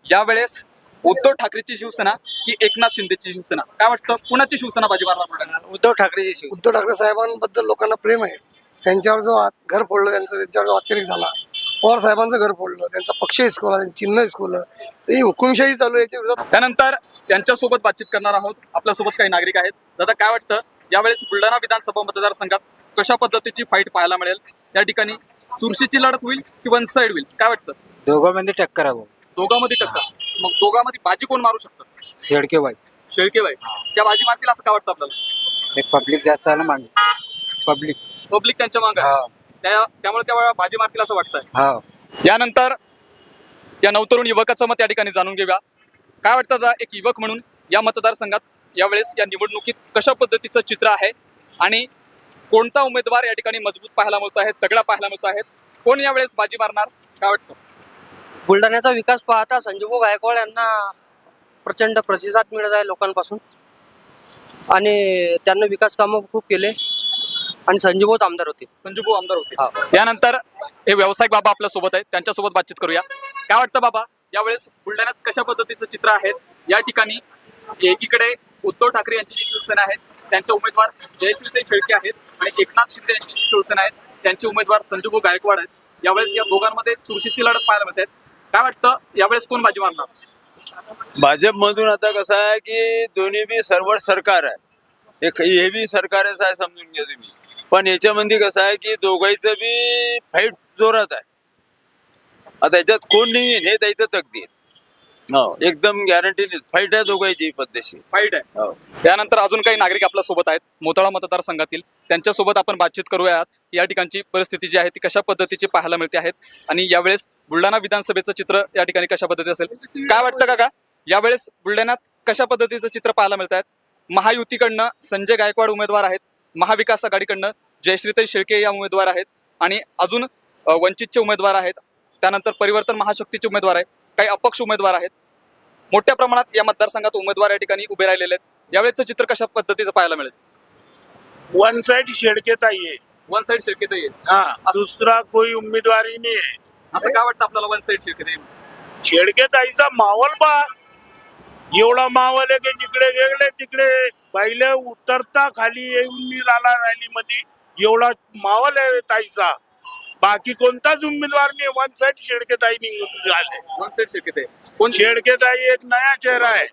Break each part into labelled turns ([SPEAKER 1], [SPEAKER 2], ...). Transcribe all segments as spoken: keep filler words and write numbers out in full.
[SPEAKER 1] यावेळेस उद्धव ठाकरेची शिवसेना की एकनाथ शिंदेची शिवसेना, काय वाटतं कुणाची शिवसेना बाजी मारणार?
[SPEAKER 2] उद्धव ठाकरेची शिवसेना.
[SPEAKER 3] उद्धव ठाकरे साहेबांबद्दल लोकांना प्रेम आहे. त्यांच्यावर जो आत- घर फोडलं त्यांचं, त्यांच्यावर जो अतिरेक झाला, पवार साहेबांचं घर फोडलं, त्यांचा पक्ष हिसकवला, त्यांचं चिन्ह हिसकवलं, तर ही हुकुमशाही चालू आहे. याच्या विरोधात
[SPEAKER 1] त्यानंतर त्यांच्यासोबत बातचीत करणार आहोत. आपल्यासोबत काही नागरिक आहेत. दादा, काय वाटतं यावेळेस बुलढाणा विधानसभा मतदारसंघात कशा पद्धतीची फाईट पाहायला मिळेल? या ठिकाणी चुरशीची लढत होईल की वन साइड होईल, काय वाटतं?
[SPEAKER 2] दोघांमध्ये टक्कर आहे भाऊ.
[SPEAKER 1] दोघांमध्ये टक्कर. मग दोघांमध्ये बाजी कोण मारू शकतं?
[SPEAKER 2] शेडकेबाई.
[SPEAKER 1] शेळकेबाई त्या बाजी मारतील असं काय वाटतं आपल्याला?
[SPEAKER 2] एक पब्लिक जास्त आलं मागे. पब्लिक.
[SPEAKER 1] पब्लिक त्यांच्या मागे
[SPEAKER 2] हा
[SPEAKER 1] त्या त्यामुळे त्या बाजी मारतील असं वाटतंय.
[SPEAKER 2] हा.
[SPEAKER 1] यानंतर या नवतरुण युवकाचं मत या ठिकाणी जाणून घेऊया. काय वाटतं दादा, एक युवक म्हणून या मतदारसंघात यावेळेस या निवडणुकीत कशा पद्धतीचं चित्र आहे आणि कोणता उमेदवार या ठिकाणी मजबूत पाहायला मिळतो आहे, तगडा पाहायला मिळतो आहे, कोण यावेळेस बाजी मारणार, काय वाटतं?
[SPEAKER 4] बुलढाण्याचा विकास पाहता संजीवभाऊ गायकवाड यांना प्रचंड प्रतिसाद मिळत आहे लोकांपासून आणि त्यांना विकास कामं खूप केले आणि संजीवभाऊच आमदार होते.
[SPEAKER 1] संजूभाऊ आमदार होते.
[SPEAKER 4] हा.
[SPEAKER 1] यानंतर हे व्यावसायिक बाबा आपल्या सोबत आहेत, त्यांच्यासोबत बातचीत करूया. काय वाटतं बाबा, यावेळेस बुलढाण्यात कशा पद्धतीचं चित्र आहे? या ठिकाणी एकीकडे उद्धव ठाकरे यांची जी शिवसेना आहे त्यांचे उमेदवार जयश्रीताई शेळके आहेत आणि एकनाथ शिंदे यांची जी शिवसेना आहे त्यांचे उमेदवार संजूभाऊ गायकवाड आहेत. यावेळेस या दोघांमध्ये चुरशीची लढत पाहायला मिळते. काय वाटतं यावेळेस कोण बाजी मारणार?
[SPEAKER 5] भाजप मधून आता कसं आहे की दोन्ही बी सर्व सरकार आहे, एक हे बी सरकारच आहे समजून घ्या तुम्ही. पण याच्यामध्ये कसं आहे की दोघांचं बी फाईट जोरात आहे. आता याच्यात कोण नाही हे त्याचं तकदीर. हो, एकदम गॅरंटी फाईट आहे दोघांची पद्धतशीर
[SPEAKER 1] फाईट आहे.
[SPEAKER 5] हो.
[SPEAKER 1] त्यानंतर अजून काही नागरिक आपल्या सोबत आहेत मोताळा मतदारसंघातील, त्यांच्यासोबत आपण बातचीत करूयात. या ठिकाणची परिस्थिती जी आहे ती कशा पद्धतीची पाहायला मिळते आहेत आणि यावेळेस बुलढाणा विधानसभेचं चित्र या ठिकाणी कशा पद्धती असेल, काय वाटतं काका यावेळेस बुलढाण्यात कशा पद्धतीचं चित्र पाहायला मिळत आहेत? महायुतीकडनं संजय गायकवाड उमेदवार आहेत, महाविकास आघाडीकडनं जयश्रीताई शेळके या उमेदवार आहेत आणि अजून अ, वंचितचे उमेदवार आहेत. त्यानंतर परिवर्तन महाशक्तीचे उमेदवार आहेत, काही अपक्ष उमेदवार आहेत. मोठ्या प्रमाणात या मतदारसंघात उमेदवार या ठिकाणी उभे राहिलेले आहेत. यावेळेचं चित्र कशा पद्धतीचं पाहायला मिळेल?
[SPEAKER 6] वन साइड शेडकेताई है.
[SPEAKER 1] वन साइड शेळकेताई आहे.
[SPEAKER 6] हाँ, दूसरा कोई उम्मीदवार ही नहीं है.
[SPEAKER 1] असं काय वाटतं आपल्याला वन साइड शेळकेताई?
[SPEAKER 6] शेडकेताईचा माहोल बा एवढा माहोल आहे की जिकडे गेले तिकडे पहिले उतरता खाली येऊन मी राहिला रॅली मध्ये, एवढा माहोल आहे ताईचा. बाकी कोणताच उमेदवार नाही. वन साइड शेडकेताई निघून राहिले.
[SPEAKER 1] वन साइड शेळकेताई कोण?
[SPEAKER 6] शेडकेताई एक नया चेहरा है.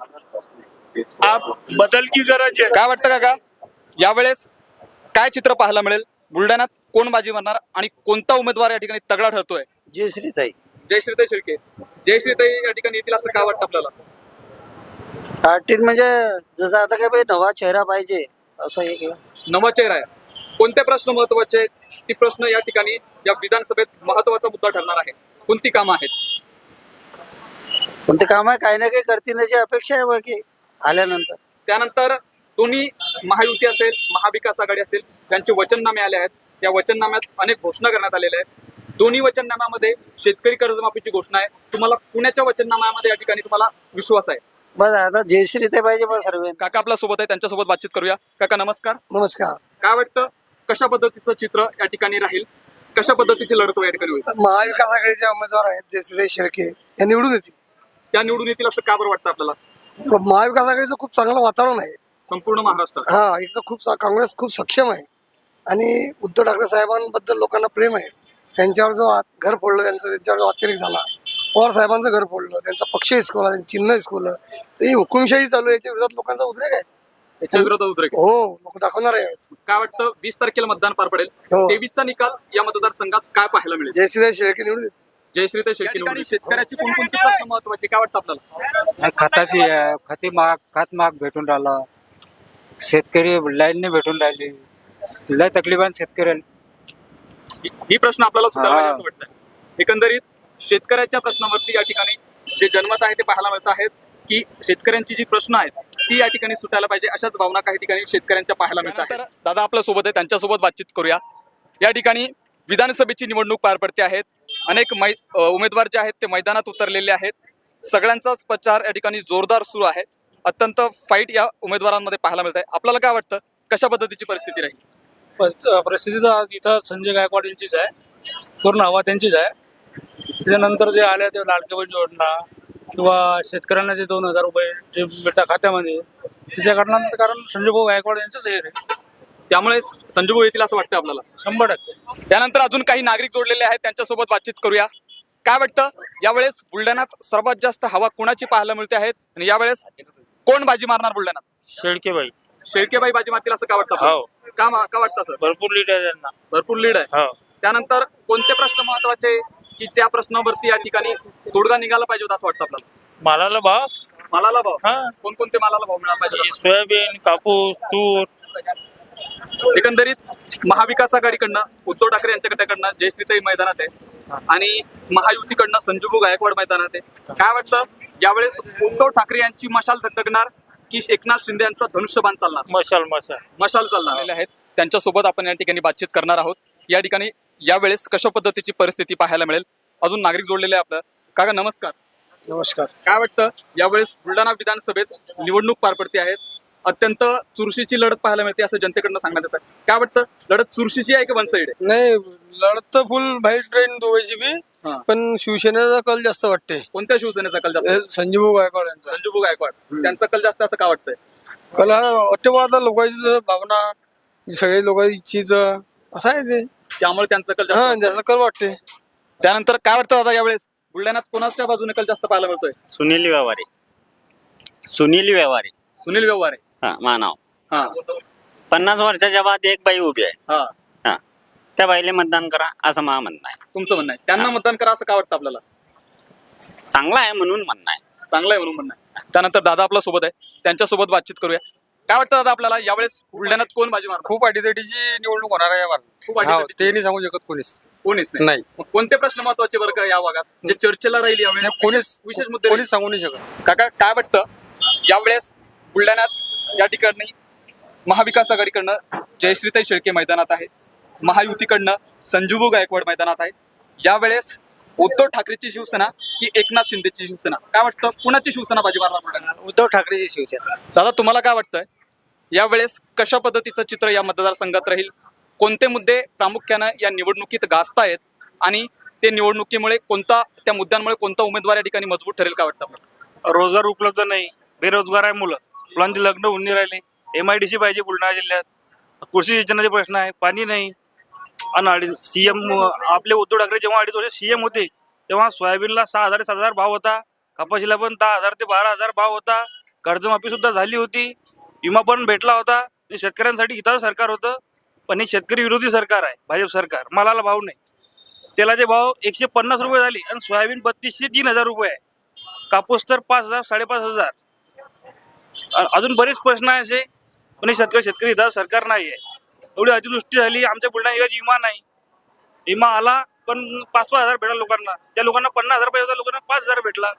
[SPEAKER 6] आप बदल की गरज है.
[SPEAKER 1] काय वाटतं काका यावेळेस काय चित्र पाहायला मिळेल? बुलढाण्यात कोण बाजी मारणार आणि कोणता उमेदवार या ठिकाणी तगडा ठरतोय?
[SPEAKER 4] जयश्रीताई.
[SPEAKER 1] जयश्रीताई शेळके. जयश्रीताई या ठिकाणी येतील असं काय वाटतं आपल्याला?
[SPEAKER 4] पार्टीत म्हणजे जसं आता काय पाहिजे नवा चेहरा पाहिजे असं एक
[SPEAKER 1] नवा चेहरा आहे. कोणते प्रश्न महत्वाचे आहेत? ती प्रश्न या ठिकाणी या विधानसभेत महत्वाचा मुद्दा ठरणार आहे. कोणती कामं आहेत?
[SPEAKER 4] कोणते काम आहे काही ना काही करतील याची अपेक्षा आहे बाकी आल्यानंतर.
[SPEAKER 1] त्यानंतर दोन्ही महायुती असेल, महाविकास आघाडी असेल, त्यांचे वचननामे आले आहेत. या वचननाम्यात अनेक घोषणा करण्यात आलेल्या आहेत. दोन्ही वचननाम्यामध्ये शेतकरी कर्जमाफीची घोषणा आहे. तुम्हाला पुण्याच्या वचननाम्यामध्ये या ठिकाणी तुम्हाला विश्वास आहे?
[SPEAKER 4] बस आता जयश्रीताई पाहिजे बस सर्व.
[SPEAKER 1] काका आपल्या सोबत आहे, त्यांच्यासोबत बातचीत करूया. काका नमस्कार.
[SPEAKER 3] नमस्कार.
[SPEAKER 1] काय वाटतं कशा पद्धतीचं चित्र या ठिकाणी राहील? कशा पद्धतीची लढत या ठिकाणी होईल?
[SPEAKER 3] महाविकास आघाडीचे उमेदवार आहेत जयश्रीताई शेळके, या निवडून येतील.
[SPEAKER 1] त्या निवडून येतील असं का बरं वाटतं आपल्याला?
[SPEAKER 3] महाविकास आघाडीचं खूप चांगलं वातावरण आहे.
[SPEAKER 1] संपूर्ण महाराष्ट्रात
[SPEAKER 3] हा, एक तर खूप सा- काँग्रेस खूप सक्षम आहे आणि उद्धव ठाकरे साहेबांबद्दल लोकांना प्रेम आहे. त्यांच्यावर जो आत- घर फोडलं, त्यांचं त्यांच्यावर जो अतिरेक झाला, पवार साहेबांचं घर फोडलं, त्यांचा पक्ष हिसकवला, त्यांचं चिन्ह हिसकवलं, तर ही हुकुमशाही चालू आहे. याच्या विरोधात लोकांचा उद्रेक आहे.
[SPEAKER 1] याच्या विरोधात उद्रेक.
[SPEAKER 3] हो, लोक दाखवणार आहे यावेळेस.
[SPEAKER 1] काय वाटतं वीस तारखेला मतदान पार पडेल,
[SPEAKER 3] हो.
[SPEAKER 1] तेवीसचा निकाल या मतदारसंघात काय पाहायला मिळेल?
[SPEAKER 3] जयश्रीताई शेळके निवडून येतील.
[SPEAKER 1] जयश्रीताई शेळके निवडून. शेतकऱ्याची कोणकोणती प्रश्न महत्वाचे काय वाटतं आपल्याला?
[SPEAKER 2] खताची आहे, खते महाग, खत महाग भेटून राहिला. शेतकरी लाईनने भेटून राहिली. लय तकलीफ शेतकऱ्याला.
[SPEAKER 1] ही- ही प्रश्न आपल्याला सुधारला
[SPEAKER 2] हा.
[SPEAKER 1] पाहिजे असं वाटतं. एकंदरीत शेतकऱ्याच्या प्रश्नावरती या ठिकाणी जे जनमत आहे ते पाहायला मिळत आहेत की शेतकऱ्यांची जी प्रश्न आहेत ती या ठिकाणी सुटायला पाहिजे, अशाच भावना काही ठिकाणी शेतकऱ्यांच्या पाहायला मिळतात. दादा आपल्या सोबत आहे, त्यांच्यासोबत बातचीत करूया. या ठिकाणी विधानसभेची निवडणूक पार पडते आहेत. अनेक मै अ, उमेदवार जे आहेत ते मैदानात उतरलेले आहेत. सगळ्यांचाच प्रचार या ठिकाणी जोरदार सुरू आहे. अत्यंत फाईट या उमेदवारांमध्ये पाहायला मिळत आहे. आपल्याला काय वाटतं कशा पद्धतीची परिस्थिती राहील?
[SPEAKER 7] पस- परिस्थिती तर आज इथं संजय गायकवाड यांचीच आहे, पूर्ण हवा त्यांचीच आहे. त्याच्यानंतर जे आले ते लाडकी बहीण योजना, किंवा शेतकऱ्यांना जे दोन हजार रुपये जे मिळतात खात्यामध्ये त्याच्या कारणानं कारण संजय भाऊ गायकवाड यांचंच हे आहे.
[SPEAKER 1] त्यामुळे संजू भाऊ येतील असं वाटतं आपल्याला.
[SPEAKER 7] शंभर टक्के
[SPEAKER 1] त्यानंतर अजून काही नागरिक जोडलेले आहेत, त्यांच्यासोबत बातचीत करूया. काय वाटतं यावेळेस बुलढाण्यात सर्वात जास्त हवा कुणाची पाहायला मिळते आहेत आणि यावेळेस कोण बाजी मारणार बुलढाण्यात?
[SPEAKER 7] शेळकेबाई
[SPEAKER 1] शेळकेबाई बाजी मारतील असं का वाटतं आपल्याला?
[SPEAKER 7] हो.
[SPEAKER 1] का मा- का वाटतं सर?
[SPEAKER 7] भरपूर लीड आहे त्यांना.
[SPEAKER 1] भरपूर लीड आहे.
[SPEAKER 7] हो.
[SPEAKER 1] त्यानंतर कोणते प्रश्न महत्वाचे की त्या प्रश्नावरती या ठिकाणी तोडगा निघाला पाहिजे होता असं वाटतं आपल्याला?
[SPEAKER 7] मालाला भाव,
[SPEAKER 1] मालाला भाव,
[SPEAKER 7] हा
[SPEAKER 1] कोणकोणते मालाला भाव मिळाला पाहिजे होता?
[SPEAKER 7] सोयाबीन, कापूस, तूर.
[SPEAKER 1] एकंदरीत महाविकास आघाडीकडनं उद्धव ठाकरे यांच्याकडनं जयश्रीताई मैदानात आहे आणि महायुतीकडनं संजूभाऊ गायकवाड मैदानात आहे. काय वाटतं यावेळेस उद्धव ठाकरे यांची मशाल धगधगणार की एकनाथ शिंदे यांचा धनुष्यबाण चालणार?
[SPEAKER 7] मशाल मशाल
[SPEAKER 1] मशाल चालणार आलेले आहेत. त्यांच्यासोबत आपण या ठिकाणी बातचीत करणार आहोत. या ठिकाणी यावेळेस कशा पद्धतीची परिस्थिती पाहायला मिळेल अजून नागरिक जोडलेले आहे आपलं. काका नमस्कार.
[SPEAKER 3] नमस्कार.
[SPEAKER 1] काय वाटतं यावेळेस बुलढाणा विधानसभेत निवडणूक पार पडते आहे, अत्यंत चुरशीची लढत पाहायला मिळते असं जनतेकडनं सांगण्यात येतं. काय वाटतं लढत चुरशीची आहे की वन साइड आहे?
[SPEAKER 8] नाही, लढत तर फुल व्हाईट ट्रेन दोघांची बी,
[SPEAKER 1] हा.
[SPEAKER 8] पण शिवसेनेचा कल जास्त वाटते.
[SPEAKER 1] कोणत्या शिवसेनेचा कल जास्त आहे?
[SPEAKER 8] संजीव गायकवाड यांचा
[SPEAKER 1] संजूभाऊ गायकवाड त्यांचा कल जास्त असं का वाटतंय?
[SPEAKER 8] कल हा वाटते बा, आता लोकांची भावना, सगळे लोकांची इच्छित असं आहे ते.
[SPEAKER 1] त्यामुळे त्यांचा कल
[SPEAKER 8] हा
[SPEAKER 1] जास्त.
[SPEAKER 8] जास्त कल वाटते.
[SPEAKER 1] त्यानंतर काय वाटतं दादा यावेळेस बुलढाण्यात कोणाच्या बाजूने कल जास्त पाहायला मिळतोय?
[SPEAKER 9] सुनील व्यवहारे. सुनील व्यवहारे
[SPEAKER 1] सुनील व्यवहारे.
[SPEAKER 9] हा मानाव.
[SPEAKER 1] हा
[SPEAKER 9] पन्नास वर्षाच्या बाद एक बाई उभी आहे.
[SPEAKER 1] हा
[SPEAKER 9] हा, त्या बाईले मतदान करा असं मा म्हणणं आहे.
[SPEAKER 1] तुमचं म्हणणं आहे त्यांना मतदान करा असं का वाटतं आपल्याला?
[SPEAKER 9] चांगला आहे म्हणून म्हणणं आहे.
[SPEAKER 1] चांगलं आहे म्हणून म्हणणं आहे. त्यानंतर दादा आपल्या सोबत आहे, त्यांच्यासोबत बातचीत करूया. काय वाटतं दादा आपल्याला यावेळेस बुलढाण्यात कोण बाजी मारणार?
[SPEAKER 8] खूप अटीतटीची निवडणूक होणार आहे यावर.
[SPEAKER 1] खूप अटीतटीची.
[SPEAKER 8] ते नाही सांगू शकत कोणीच.
[SPEAKER 1] कोणीच नाही.
[SPEAKER 8] नाही,
[SPEAKER 1] मग कोणते प्रश्न महत्वाचे बरं का या भागात जे चर्चेला राहील यावेळेस?
[SPEAKER 8] ते कोणीच
[SPEAKER 1] विशेष- विशेष मुद्दे
[SPEAKER 8] कोणीच सांगू नाही शकत.
[SPEAKER 1] काका काय वाटतं यावेळेस बुलढाण्यात या ठिकाणी महाविकास आघाडीकडनं जयश्रीताई शेळके मैदानात आहे, महायुतीकडनं संजूभाऊ गायकवाड मैदानात आहे. यावेळेस उद्धव ठाकरेची शिवसेना की एकनाथ शिंदेची शिवसेना? काय वाटतं कुणाची शिवसेना बाजी मारणार बुलढाण्यात?
[SPEAKER 2] उद्धव ठाकरेची शिवसेना.
[SPEAKER 1] दादा तुम्हाला काय वाटतंय यावेळेस कशा पद्धतीचं चित्र या मतदारसंघात राहील? कोणते मुद्दे प्रामुख्यानं या निवडणुकीत गाजतायत आणि ते निवडणुकीमुळे कोणता त्या मुद्द्यांमुळे कोणता उमेदवार या ठिकाणी मजबूत ठरेल काय वाटतं आपल्याला?
[SPEAKER 7] रोजगार उपलब्ध नाही, बेरोजगार आहे मुलं, मुलांचे लग्न होऊन नाही राहिले. एम आय डी सी पाहिजे बुलढाणा जिल्ह्यात, कृषी सिंचनाचे प्रश्न आहे, पाणी नाही. आणि सीएम आपले उद्धव ठाकरे जेव्हा अडीच वर्ष सीएम होते तेव्हा सोयाबीनला सहा हजार सात हजार भाव होता, कपाशीला पण दहा हजार ते बारा हजार भाव होता, कर्जमाफी सुद्धा झाली होती, विमा पण भेटला होता. हे शेतकऱ्यांसाठी हिताचं सरकार होतं, पण हे शेतकरी विरोधी सरकार आहे भाजप सरकार. मालाला भाव नाही, तेलाचे भाव एकशे पन्नास रुपये झाले आणि सोयाबीन बत्तीसशे तीन हजार रुपये आहे, कापूस तर पाच हजार साडेपाच हजार. अ- अजून बरेच प्रश्न आहे असे, पण हे शेतकरी शेतकरी हिताचं सरकार नाही आहे. एवढी अतिवृष्टी झाली आमच्या बुलढाणा जिल्ह्यात, विमा नाही. विमा आला पण पाच पाच हजार भेटला लोकांना, त्या लोकांना पन्नास हजार पाहिजे होता, लोकांना पाच हजार भेटला.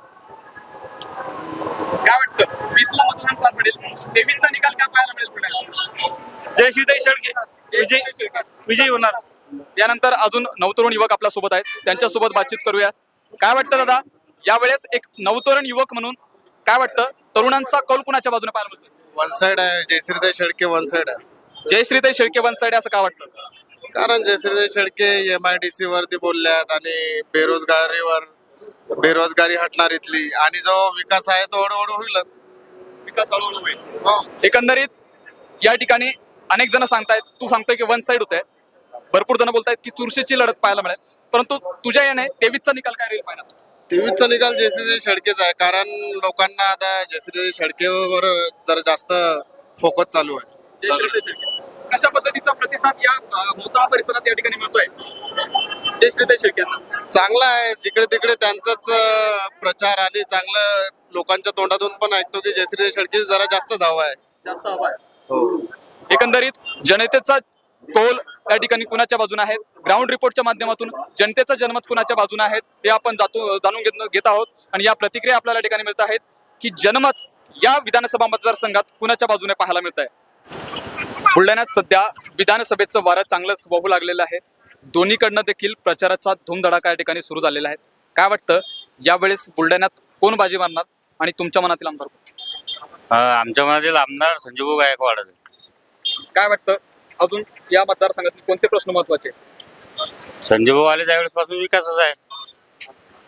[SPEAKER 1] काय वाटतं वीस ला मतदान पार पडेल, तेवीसचा निकाल काय पाहायला मिळेल बुलढाण्यात?
[SPEAKER 7] जयश्रीताई शेळके विजय विजयी होणार.
[SPEAKER 1] यानंतर अजून नवतरुण युवक आपल्या सोबत आहेत, त्यांच्यासोबत बातचीत करूया. काय वाटतं दादा यावेळेस एक नवतरुण युवक म्हणून काय वाटतं तरुणांचा कौल कुणाच्या बाजूने पाहायला मिळतोय?
[SPEAKER 10] वन साइड आहे. जयश्रीताई शेळके वन साइड आहे.
[SPEAKER 1] जयश्रीताई शेळके वन साइड असं का वाटतं?
[SPEAKER 10] कारण Jayashreetai Shelke M I D C वरती बोलल्यात आणि बेरोजगारीवर बेरोजगारी हटणार इथली, आणि जो विकास आहे तो हळूहळू होईलच.
[SPEAKER 1] विकास हळूहळू होईल.
[SPEAKER 10] हो.
[SPEAKER 1] एकंदरीत या ठिकाणी अनेक जण सांगतायत, तू सांगतोय की वन साइड होतंय, भरपूर जण बोलतायत की चुरशीची लढत पाहायला मिळेल, परंतु तुझ्या याने तेवीसचा निकाल काय राहील पाहिजे?
[SPEAKER 10] तेवीसचा निकाल जयश्रीताई शेळकेच आहे, कारण लोकांना आता जयश्रीताई शेळकेवर जरा जास्त फोकस चालू आहे.
[SPEAKER 1] जयश्रीताई शेळके कशा पद्धतीचा प्रतिसाद या अं, मोताळा परिसरात या ठिकाणी मिळतोय जयश्रीताई शेळके यांना?
[SPEAKER 10] चांगला आहे. जिकडे तिकडे त्यांचाच अं, प्रचार आणि चांगलं लोकांच्या तोंडातून पण ऐकतो की जयश्रीताई शेळके जरा जास्त धावा आहे.
[SPEAKER 1] जास्त हवा आहे.
[SPEAKER 10] हो.
[SPEAKER 1] एकंदरीत जनतेचा कौल या ठिकाणी कुणाच्या बाजूने आहे, ग्राउंड रिपोर्टच्या माध्यमातून जनतेचं जनमत कुणाच्या बाजूने आहेत हे आपण जातो जाणून घेत घेत आहोत. आणि या प्रतिक्रिया आपल्याला या ठिकाणी मिळत आहेत की जनमत या विधानसभा मतदारसंघात कुणाच्या बाजूने पाहायला मिळत आहे. बुलढाण्यात सध्या विधानसभेचं वारं चांगलंच वाहू लागलेलं आहे. दोन्हीकडनं देखील प्रचाराचा धूमधडाका या ठिकाणी सुरू झालेला आहे. काय वाटतं यावेळेस बुलढाण्यात कोण बाजी मारणार आणि तुमच्या मनातील आमदार कोण?
[SPEAKER 9] आमच्या मनातील आमदार संजूभाऊ गायकवाड.
[SPEAKER 1] काय वाटतं अजून या मतदारसंघातील कोणते प्रश्न महत्वाचे?
[SPEAKER 9] संजूभाऊ आले त्यावेळेस पासून विकासच आहे.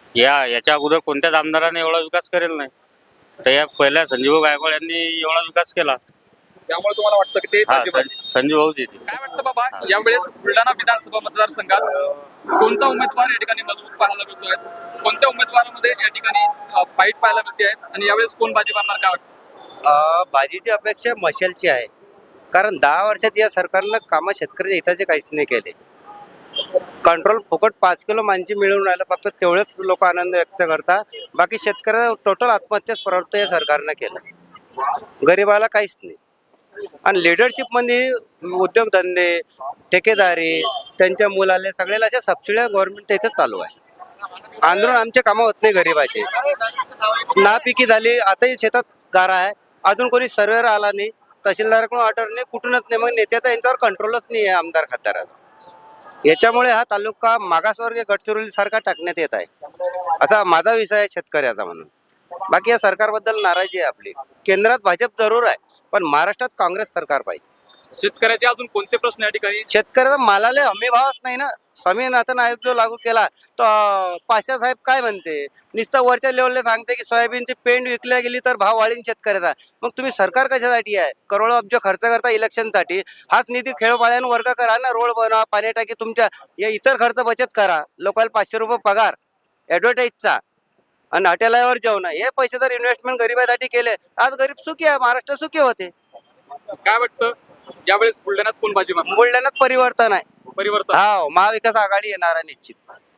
[SPEAKER 9] या याच्या अगोदर कोणत्याच आमदाराने एवढा विकास करेल नाही. तर या पहिल्या संजीव गायकवाड यांनी एवढा विकास केला.
[SPEAKER 1] त्यामुळे तुम्हाला वाटतं की ते
[SPEAKER 9] हा
[SPEAKER 1] भाजप-
[SPEAKER 9] सं- संजीव भाऊजी ते.
[SPEAKER 1] काय वाटतं बाबा यावेळेस बुलढाणा विधानसभा मतदारसंघात कोणता उमेदवार या ठिकाणी मजबूत पाहायला मिळतोय? कोणत्या उमेदवारामध्ये या ठिकाणी फाईट पाहायला मिळते आहे आणि यावेळेस कोण बाजी मारणार काय वाटतं?
[SPEAKER 4] अ, बाजीची अपेक्षा मशालची आहे. कारण दहा वर्षात या सरकारनं कामं शेतकऱ्याच्या हिताचे काहीच नाही केले. कंट्रोल फुकट पाच किलो मांजी मिळून राहिलं, फक्त तेवढेच लोक आनंद व्यक्त करतात. बाकी शेतकऱ्याचा टोटल आत्महत्याच प्रवृत्त या सरकारनं केलं. गरिबाला काहीच नाही. आणि लिडरशिपमध्ये उद्योगधंदे, ठेकेदारी, त्यांच्या मुलाले सगळ्याला अशा सबसिड्या गव्हर्नमेंट त्याचं चालू आहे. आंदोलन आमचे कामं होत नाही गरिबाचे. नापिकी झाली, आताही शेतात गारा आहे, अजून कोणी सर्वेवर आला नाही, तहसीलदाराकडून ऑर्डर नाही, कुठूनच नाही. मग नेत्याचा यांच्यावर कंट्रोलच नाही आहे आमदार खासदाराचा. याच्यामुळे हा तालुका मागासवर्गीय गडचिरोलीसारखा टाकण्यात येत आहे, असा माझा विषय आहे शेतकऱ्याचा म्हणून. बाकी या सरकारबद्दल नाराजी आहे आपली. केंद्रात भाजप जरूर आहे, पण महाराष्ट्रात काँग्रेस सरकार पाहिजे.
[SPEAKER 1] शेतकऱ्याचे अजून कोणते प्रश्न या ठिकाणी?
[SPEAKER 4] शेतकऱ्याचा मालाला हमी भावच नाही ना. स्वामीनाथन आयोग जो लागू केला तो पाशा साहेब काय म्हणते, नुसतं वरच्या लेवलला सांगते की सोयाबीनची पेंड विकल्या गेली तर भाव वाढीन शेतकऱ्याचा. मग तुम्ही सरकार कशासाठी आहे? करोडो अब्ज खर्च करता इलेक्शनसाठी. हाच निधी खेळोपाळ्यानं वर्ग करा ना, रोड बनवा, पाणी टाकी, तुमच्या या इतर खर्च बचत करा. लोकांना पाचशे रुपये पगार ॲडव्हर्टाईजचा आणि हॉटेलावर जेवण, हे पैसे जर इन्व्हेस्टमेंट गरिबासाठी केले, आज गरीब सुखी आहे, महाराष्ट्र सुखी होते.
[SPEAKER 1] काय वाटतं यावेळेस बुलढाण्यात कोण बाजी मारणार?
[SPEAKER 4] बुलढाण्यात परिवर्तन आहे.
[SPEAKER 1] परिवर्तन
[SPEAKER 4] हा, महाविकास आघाडी येणार आहे निश्चित.